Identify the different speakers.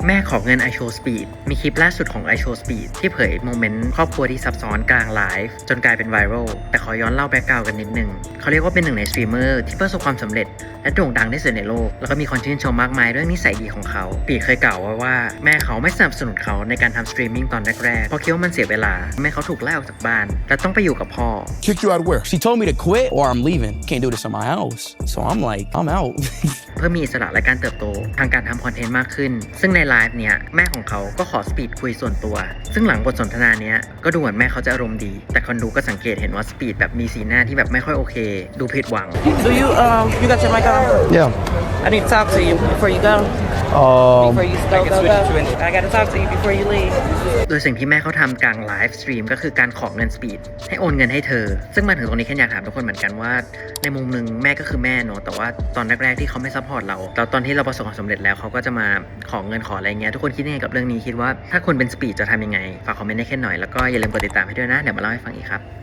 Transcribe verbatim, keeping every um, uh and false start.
Speaker 1: แม่ขอเงิน iShow Speed มีคลิปล่าสุดของ iShow Speed ที่เผยโมเมนต์ครอบครัวที่ซับซ้อนกลางไลฟ์จนกลายเป็นไวรัลแต่ขอย้อนเล่าแบ็กกราวด์กันนิดนึงเขาเรียกว่าเป็นหนึ่งในสตรีมเมอร์ที่ประสบความสำเร็จและโด่งดังที่สุดในโลกแล้วก็มีคนชื่นชมมากมายเรื่องนิสัยดีของเขาปีเคยกล่าวไว้ว่าแม่เขาไม่สนับสนุนเขาในการทำสตรีมมิ่งตอนแรกๆเพราะคิดว่ามันเสียเวลาแม่เขาถูกไล่ออกจากบ้านและต้องไปอยู่กับพ่อ
Speaker 2: Kicked you out of where? She told me to quit or I'm leaving. Can't do this in my house. So I'm like, I'm out.
Speaker 1: เพื่อมีอิสระและการเติบโตทางการทำคอนเทนต์มากขึ้นซึ่งในไลฟ์เนี้ยแม่ของเขาก็ขอสปีดคุยส่วนตัวซึ่งหลังบทสนทนาเนี้ยก็ดูเหมือนแม่เขาจะอารมณ์ดีแต่คนดูก็สังเกตเห็นว่าสปีดแบบมีสีหน้าที่แบบไม่ค่อยโอเคดูผิดหวัง
Speaker 3: Do you um you got your mic on?
Speaker 2: Yeah.
Speaker 3: I need to talk to you before you go.
Speaker 2: Um,
Speaker 3: Before you go go go. I gotta talk to you before you leave.
Speaker 1: โดยสิ่งที่แม่เขาทำกลางไลฟ์สตรีมก็คือการขอเงินสปีดให้โอนเงินให้เธอซึ่งมาถึงตรงนี้แค่อยากถามทุกคนเหมือนกันว่าในมุมหนึ่งแม่ก็คือแม่เนอะแต่ว่าตอนแรกๆที่เขาไม่ซัพพอร์ตเราแล้วตอนที่เราประสบความสำเร็จแล้วเขาก็จะมาขอเงินขออะไรเงี้ยทุกคนคิดยังไงกับเรื่องนี้คิดว่าถ้าคุณเป็นสปีดจะทำยังไงฝากคอมเมนต์ได้แค่หน่อยแล้วก็อย่าลืมกดติดตามให้ด้วยนะเดี๋ยวมาเล่าให้ฟังอีกครับ